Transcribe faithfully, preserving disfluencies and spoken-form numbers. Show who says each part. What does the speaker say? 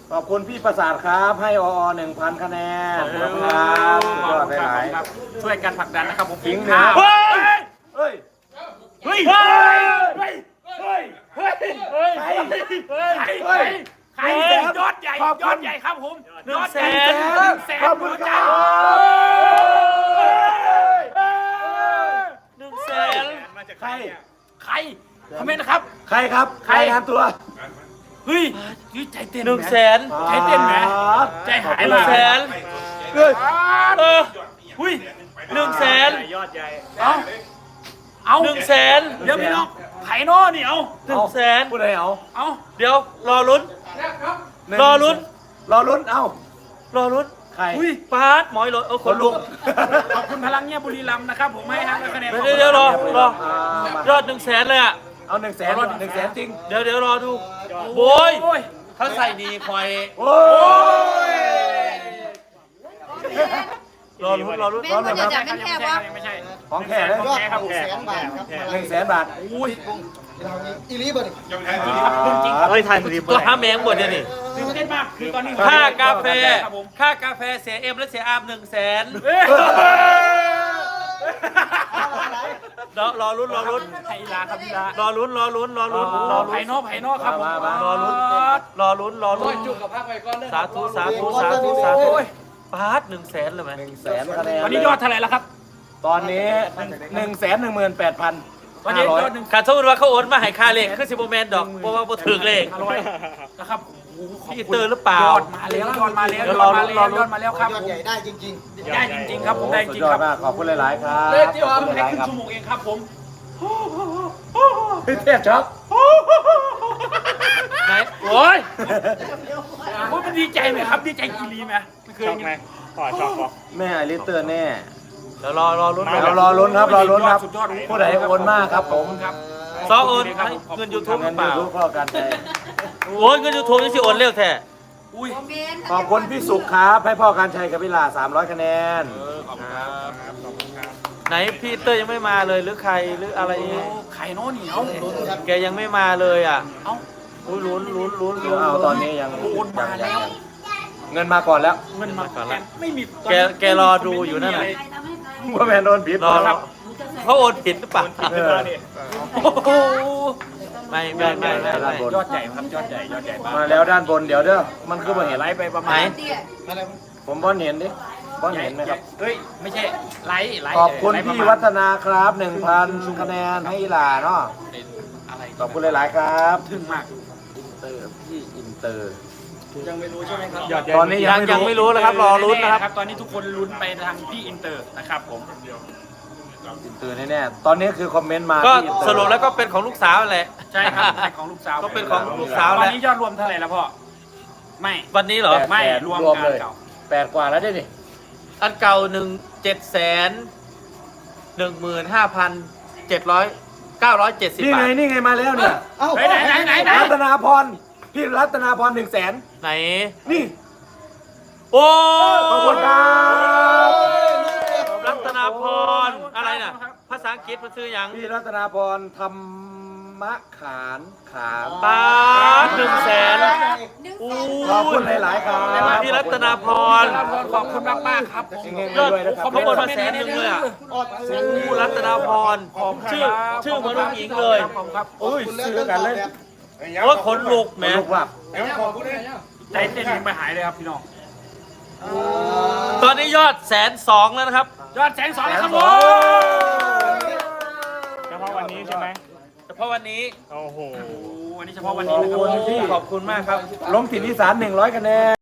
Speaker 1: ขอบคุณพี่ประสาทครับให้ออหนึ่งพันคะแนนขอบคุณครับยอดหลายๆ
Speaker 2: ช่วยกันผลักดันนะครับผม
Speaker 1: ทิ้งนะเฮ้ยเฮ้ยเฮ้ยเฮ้ยเฮ้ยเฮ้ยเฮ้ยเฮ้ยใครใครใครยอดใหญ่ยอดใหญ่ครับผมยอดแสนแสนขอบคุณครับ
Speaker 2: หนึ่งแสน
Speaker 1: ใคร
Speaker 2: ใครคอมเมนต์นะครับ
Speaker 1: ใครครับใครงานตัว
Speaker 2: เฮ้ยใจเต้น
Speaker 3: หนึ่งแสน
Speaker 2: ใจเต้นไหมใจหาย
Speaker 3: หนึ่งแสน
Speaker 1: เฮ้ย
Speaker 3: เออหุ้ยหนึ่งแสน
Speaker 2: ยอดใหญ่เอาเอา
Speaker 3: หนึ่งแสน
Speaker 2: เดี๋ยวพี่น้องไผ่นอนี่เอา
Speaker 3: หนึ่งแสน
Speaker 1: พูดอะไรเอา
Speaker 2: เอา
Speaker 3: เดี๋ยวรอลุ้นรอลุ้น
Speaker 1: รอลุ้นเอา
Speaker 3: รอลุ้น
Speaker 1: ใคร
Speaker 3: อุ้ยปาร์ตหมอยรถเออคนลุก
Speaker 2: ขอบคุณพลังเงียบบุรีรัมย์นะครับผมให้ฮะคะแนน
Speaker 3: เดี๋ยวเดี๋ยวรอรอยอดหนึ่งแสนเลยอ่ะ
Speaker 1: เอาหนึ่งแสนหนึ่งแสนจริง
Speaker 3: เดี๋ยวเดี๋ยวรอดูโว้ยเขาใส่ดีคอย
Speaker 1: โอ้ย
Speaker 3: รอลุ้นรอลุ้น
Speaker 4: แม่จะจับเป็นแค่วะ
Speaker 2: ไม่ใช่
Speaker 1: ของแค่เลย
Speaker 2: แค่ครับแค่
Speaker 5: แสนบาทครับ
Speaker 1: หนึ่งแสนบาท
Speaker 2: อุ้ย
Speaker 5: อีลีเบิร์ด
Speaker 3: เฮ้ยทันตัวห้าแมงหมดเลยนี่
Speaker 2: ตื่นเต้นมากคือตอนนี้
Speaker 3: ค่ากาแฟค่ากาแฟเสียเอ็มและเสียอาร์มหนึ่งแสนรอรอลุ้นรอลุ้น
Speaker 2: ไฮลาครับพี่ลาร
Speaker 3: อลุ้นรอลุ้นรอลุ้นรอลุ้น
Speaker 2: ไผ่นอไผ่นอครับ
Speaker 3: รอลุ้นรอลุ้นรอลุ้นจุกกับภาคไปก้อนสาธุสาธุสาธุสาธุปาร์ตหนึ่งแสนเลยไหม
Speaker 1: หนึ่งแสนคะแนน
Speaker 2: ตอนนี้ยอดเท่าไหร่แล้วครับ
Speaker 1: ตอนนี้หนึ่งแสนหนึ่งหมื่นแปดพัน
Speaker 2: ตอนนี้ยอดหนึ่ง
Speaker 3: ขาดสมมติว่าเขาโอนมาให้ค่าเลขคือสิบโมเมนต์ดอกเพราะว่าบ่ถึงเลข
Speaker 2: อร่อยนะครับ
Speaker 3: พี่เตอร์หรือเปล่าย
Speaker 2: อดมาแล้วยอดมาแล้วยอดมาแล้วยอดมาแล้วครับ
Speaker 5: ยอดใหญ่ได้จริง
Speaker 2: ได้จริงๆครับผมได้จริงครับ
Speaker 1: ขอบคุณหลายๆครับ
Speaker 2: เล่นที่ว่าแค่ครึ่งชั่วโมงเองครับผม
Speaker 1: เทียบช็อป
Speaker 3: ไหนโอ้ย
Speaker 2: ว่ามันดีใจไหมครับดีใจกีรีไหมไม่เคยไหม
Speaker 1: ขอชอบแม่ไอริเตอร์แน่
Speaker 3: เดี๋ยวรอรอลุ้น
Speaker 1: เรารอลุ้นครับรอลุ้นครับผู้ใดโอนมากครับผม
Speaker 2: ครับ
Speaker 3: ซอโอนเงินยูทูบ
Speaker 1: เงินยูทูบเข้ากันใจ
Speaker 3: โอ้ยเงินยูทูบยังสิโอนเร็วแท้
Speaker 2: อุ้ย
Speaker 1: ขอบคุณพี่สุขครับให้พ่อการชัยกับพี่ลาสามร้อยคะแนน
Speaker 2: ขอบคุณครับขอบคุณครับ
Speaker 3: ไหนพี่เตอร์ยังไม่มาเลยหรือใครหรืออะไร
Speaker 2: ไข่โน่นเหนียว
Speaker 3: แกยังไม่มาเลยอ่ะ
Speaker 2: เอ้า
Speaker 3: ลุ้นลุ้นลุ้นลุ้น
Speaker 1: เอาตอนนี้ยัง
Speaker 2: โอนมาแล้ว
Speaker 1: เงินมาก่อนแล้ว
Speaker 2: เงินมาก่อนแล้วไม่มี
Speaker 3: แกแกรอดูอยู่นั่นแหละ
Speaker 1: ว่าแมนโดนผิด
Speaker 3: ครับเขาโอนผิดหรือเปล่าไม่ไม่ไม่ไม่
Speaker 2: ยอดใหญ่ครับยอดใหญ่ยอดใหญ่
Speaker 1: มาแล้วด้านบนเดี๋ยวเด้อมันคือมาเห็น
Speaker 2: ไลฟ์ไปประมาณ
Speaker 1: ผมบอลเห็นดิบอลเห็นไหมครับ
Speaker 2: เฮ้ยไม่ใช่ไลฟ์ไลฟ์
Speaker 1: ขอบคุณพี่วัฒนาครับหนึ่งพันคะแนนให้อีหลาเนาะขอบคุณหลายๆครับ
Speaker 2: ถึงมาก
Speaker 1: อินเตอร์พี่อินเตอร์
Speaker 5: ยังไม่รู้ใช่ไหมครับ
Speaker 1: ตอนนี้ยัง
Speaker 3: ยังไม่รู้นะครับรอลุ้นนะครับ
Speaker 2: ตอนนี้ทุกคนลุ้นไปทางพี่อินเตอร์นะครับผม
Speaker 1: อินเตอร์แน่ๆตอนนี้คือคอมเมนต์มา
Speaker 3: ก็สรุปแล้วก็เป็นของลูกสาวแหละ
Speaker 2: ใช่ครับของลูกสาว
Speaker 3: ก็เป็นของลูกสาว
Speaker 2: ตอนนี้ยอดรวมเท่าไหร่แล้วพ่อไม่
Speaker 3: วันนี้เหรอ
Speaker 2: ไม่รวมกันเก่า
Speaker 1: แปดกว่าแล้วได้ดิ
Speaker 3: อันเก่าหนึ่งเจ็ดแสนหนึ่งหมื่นห้าพันเจ็ดร้อยเก้าร้อยเจ็ดสิบ
Speaker 1: นี่ไงนี่ไงมาแล้วเนี่ย
Speaker 2: ไหนไหนไหนไหน
Speaker 1: รัตนาพรพี่รัตนาพรหนึ่งแสน
Speaker 3: ไหน
Speaker 1: นี่
Speaker 3: โอ้
Speaker 1: ขอบคุณครับ
Speaker 3: รัตนาพรอะไรน่ะภาษาอังกฤษมันชื่อยัง
Speaker 1: พี่รัตนาพรธรรมะขานขาม
Speaker 3: ปาหนึ่งแสน
Speaker 1: ขอบคุณหลายๆครับ
Speaker 3: พี่รัตนาพร
Speaker 2: ขอบคุณมากมากครับ
Speaker 3: ยอดเขาบนมาแสนหนึ่งเลยอ่ะผู้รัตนาพรชื่อชื่อเหมือนลูกหญิงเลย
Speaker 1: โอ้ยซื้อกันเลย
Speaker 3: โอ้ขนลุกแหม
Speaker 2: ใจเต้นไม่หายเลยครับพี่น้อง
Speaker 3: ตอนนี้ยอดแสนสองแล้วนะครับ
Speaker 2: ยอดแสนสองแล้วครับผม
Speaker 6: เฉพาะวันนี้ใช่ไหม
Speaker 3: เฉพาะวันนี้
Speaker 6: โอ้โห
Speaker 2: วันนี้เฉพาะวันนี้นะครับ
Speaker 3: ขอบคุณมากครับ
Speaker 1: ล้มถิ่นอีสานหนึ่งร้อยคะแนน